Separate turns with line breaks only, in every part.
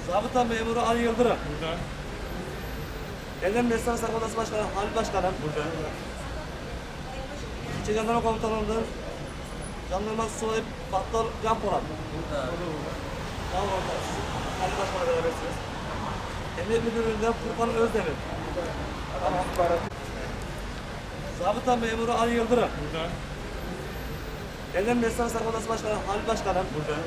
Zabıta memuru Ali Yıldırım.
Burada.
Edirne Esnaf Odası Başkanı Halil Başkanım.
Burada.
İlçe Jandarma Komutanlığı'nın Jandarma Subayı Battal Can Polat.
Burada.
Tamam orada. Halil Başkan'la berabersiniz. Emniyet Müdürlüğü'nden Furkan Özdemir. Tamam. Zabıta memuru Ali Yıldırım.
Burada.
Edirne Esnaf Odası Başkanı Halil Başkanım.
Burada.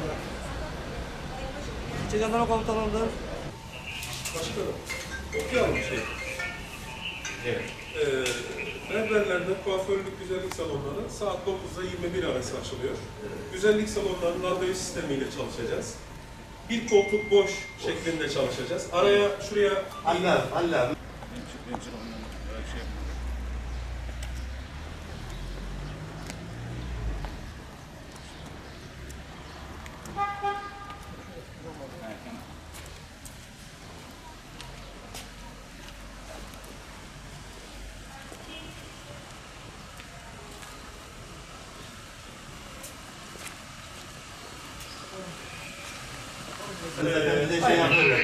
İlçe Jandarma Komutanlığı'nın
Başkanım, okuyalım şey.
Evet.
Berberlerde kuaförlük güzellik salonları saat 9'da 21 arası açılıyor. Güzellik salonlarının randevu sistemiyle çalışacağız. Bir koltuk boş şeklinde çalışacağız. Araya şuraya
Allah. Bir de şey yapıyorlar.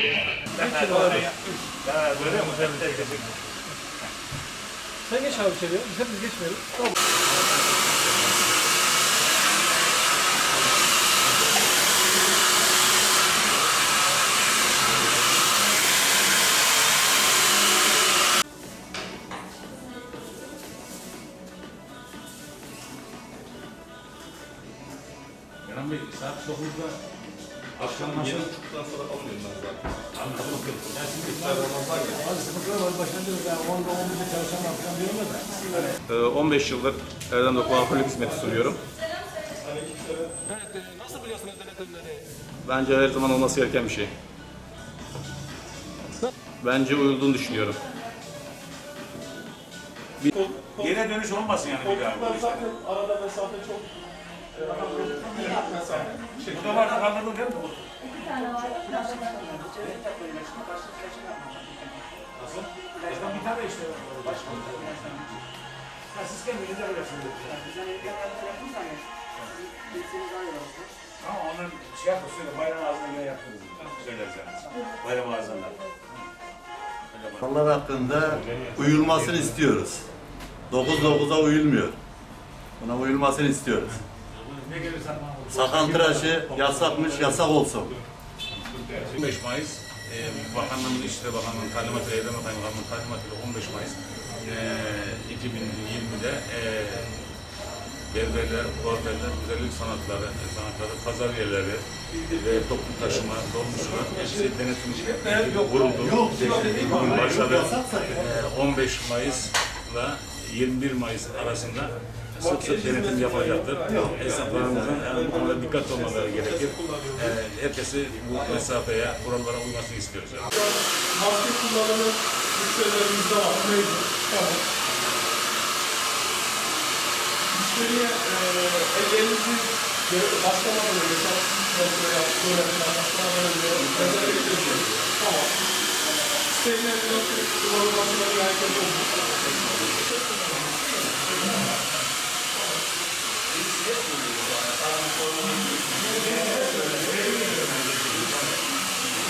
Böyle mi?
Sen geç abi içeriye. Biz geçmeyelim. Tamam.
Kenan Bey, saat 9'da
akşam 7.30'dan sonra alıyorum ben zaten.
anladım.
Yani şimdi iftar Ramazan ya.
Hadi sıkıntılar var. Başlanıyoruz. Yani 10'da 11'de çalışan falan diyorlar da.
15 yıldır Erdem'de kuaförlük hizmeti sunuyorum.
Evet, nasıl biliyorsunuz denetimleri?
Bence her zaman olması gereken bir şey. Bence uyulduğunu düşünüyorum.
Geri dönüş olmasın yani bir daha.
Koltuklar zaten arada mesafe çok mesafe.
Bu da vardı kaldırdın değil mi? Nasıl? Zaten bir tane işte. Ha, siz kendiniz yapacaksınız. Ama onlar şey yapma söyle, bayram ağzına göre yaptınız. Söyleriz yani. Bayram ağzından.
Kurallar hakkında uyulmasını istiyoruz. 9-9'a uyulmuyor. Buna uyulmasını istiyoruz.
Ne gelirsen
Sakan tıraşı yasakmış, yasak olsun.
15 Mayıs Bakanlığımız İçişleri Bakanlığı'nın talimatıyla, Eylem Kaymakamlığı'nın talimatıyla 15 Mayıs 2020'de berberler, kuaförler, güzellik sanatları, pazar yerleri ve toplu taşıma, dolmuşlar hepsi denetim vuruldu. Bugün başladı. 15 Mayıs'la 21 Mayıs arasında sık sık denetim yapacaktır. Esnaflarımızın buna dikkat olmaları gerekir. Herkesi bu mesafeye, kurallara uymasını istiyoruz.
Maske kullanımı müşterilerimizde var. Mevcut. Tamam. Müşteriye ellerinizi başlamadan önce çalışmaya başlamadan önce rezerve ediyoruz. Tamam. Sistemlerin kullanılmasına riayet ediyoruz.